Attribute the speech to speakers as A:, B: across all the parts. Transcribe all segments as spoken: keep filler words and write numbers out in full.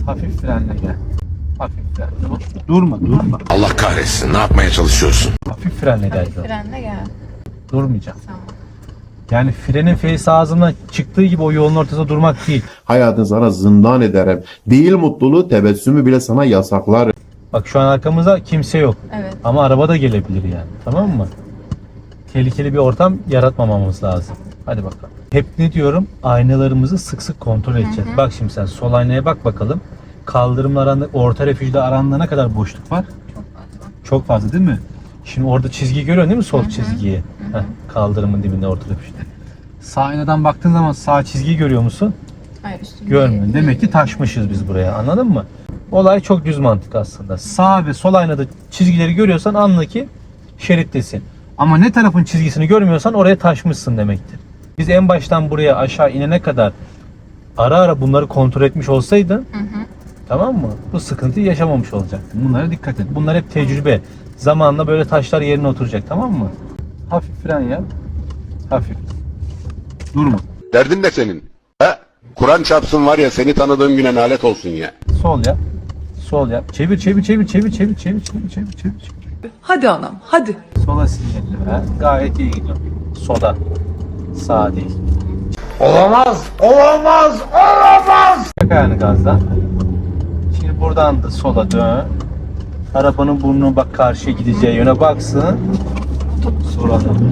A: Hafif frenle gel. Hafif frenle. Durma, durma.
B: Allah kahretsin. Ne yapmaya çalışıyorsun?
A: Hafif frenle gel.
C: Hafif frenle gel.
A: Durmayacağım.
C: Tamam.
A: Yani frenin face ağzımdan çıktığı gibi o yolun ortasında durmak değil.
D: Hayatın sana zindan ederim. Değil mutluluğu, tebessümü bile sana yasaklar.
A: Bak şu an arkamızda kimse yok.
C: Evet.
A: Ama araba da gelebilir yani. Tamam mı? Tehlikeli bir ortam yaratmamamız lazım. Hadi bakalım. Hep ne diyorum? Aynalarımızı sık sık kontrol edeceğiz.
C: Hı hı.
A: Bak şimdi sen sol aynaya bak bakalım. Kaldırımla aranda, orta refüjde aranda ne kadar boşluk var?
C: Çok fazla.
A: Çok fazla değil mi? Şimdi orada çizgi görüyorsun değil mi? Sol
C: Hı hı.
A: çizgiyi.
C: Hı hı.
A: Heh, kaldırımın dibinde orta refüjde. Sağ aynadan baktığın zaman sağ çizgiyi görüyor musun?
C: Hayır, üstünde
A: Görmüyorsun.
C: değil.
A: Demek ki taşmışız biz buraya. Anladın mı? Olay çok düz mantık aslında. Sağ ve sol aynada çizgileri görüyorsan anla ki şerittesin. Ama ne tarafın çizgisini görmüyorsan oraya taşmışsın demektir. Biz en baştan buraya aşağı inene kadar ara ara bunları kontrol etmiş olsaydın,
C: Hı hı.
A: tamam mı? Bu sıkıntıyı yaşamamış olacaktın. Bunlara dikkat et. Bunlar hep tecrübe. Zamanla böyle taşlar yerine oturacak, tamam mı? Hafif fren yap. Hafif. Durma.
B: Derdin ne senin? He? Kur'an çarpsın var ya, seni tanıdığım güne nalet olsun ya.
A: Sol yap. Sol yap. Çevir çevir çevir çevir çevir çevir çevir çevir çevir.
E: Hadi anam, hadi.
A: Sola sinyalli ver. Gayet iyi gidiyor. Sola. Sağ değil.
B: Olamaz! Olamaz! Olamaz!
A: Çek ayağını gazdan. Şimdi buradan da sola dön. Arabanın burnuna bak, karşıya gideceği yöne baksın. Sonra da.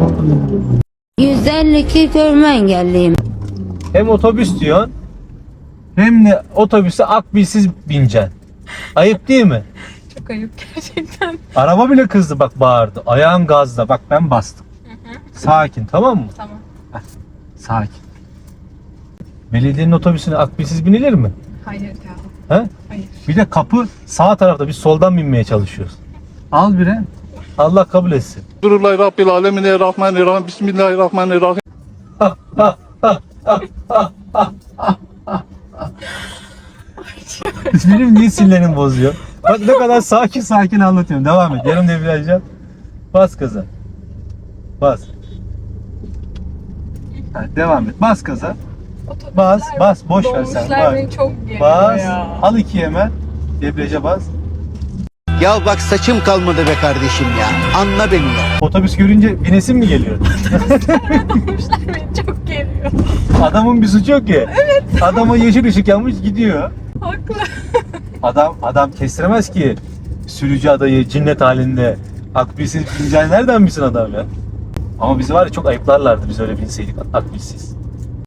F: yüz elli iki görme engelliyim.
A: Hem otobüs diyorsun hem de otobüse akbilsiz bineceksin. Ayıp değil mi?
C: Çok ayıp gerçekten.
A: Araba bile kızdı, bak bağırdı. Ayağın gazda, bak ben bastım. Sakin, tamam mı?
C: Tamam.
A: Sakin. Belediyenin otobüsüne akbilsiz binilir mi?
C: Hayır ya.
A: He?
C: Hayır.
A: Bir de kapı sağ tarafta, biz soldan binmeye çalışıyoruz. Al bire. Allah kabul etsin.
G: Bismillahirrahmanirrahim. Rabbil alemin rahmanirrahim. Bismillahirrahmanirrahim.
A: Benim niye sinirlerim bozuyor? Bak ne kadar sakin sakin anlatıyorum. Devam et. Yarım debriyaj yap. Bas gaza. Bas. Ha, devam et. Bas gaza.
C: Otobüsler,
A: Bas, bas. Boş ver sen.
C: dolmuşlar
A: Bak.
C: beni çok geriyor
A: Bas.
C: ya.
A: Al iki hemen. Debriyaja bas.
H: Ya bak saçım kalmadı be kardeşim ya. Anla beni ya.
A: Otobüs görünce binesin mi geliyor?
C: Dolmuşlar beni çok geriyor.
A: Adamın bir suçu yok ki. Evet. Adama yeşil ışık yanmış gidiyor.
C: Haklı.
A: Adam adam kestiremez ki sürücü adayı cinnet halinde akbilsiz bineceğini nereden bilsin adam ya? Ama bizi var ya çok ayıplarlardı biz öyle binseydik akbilsiz.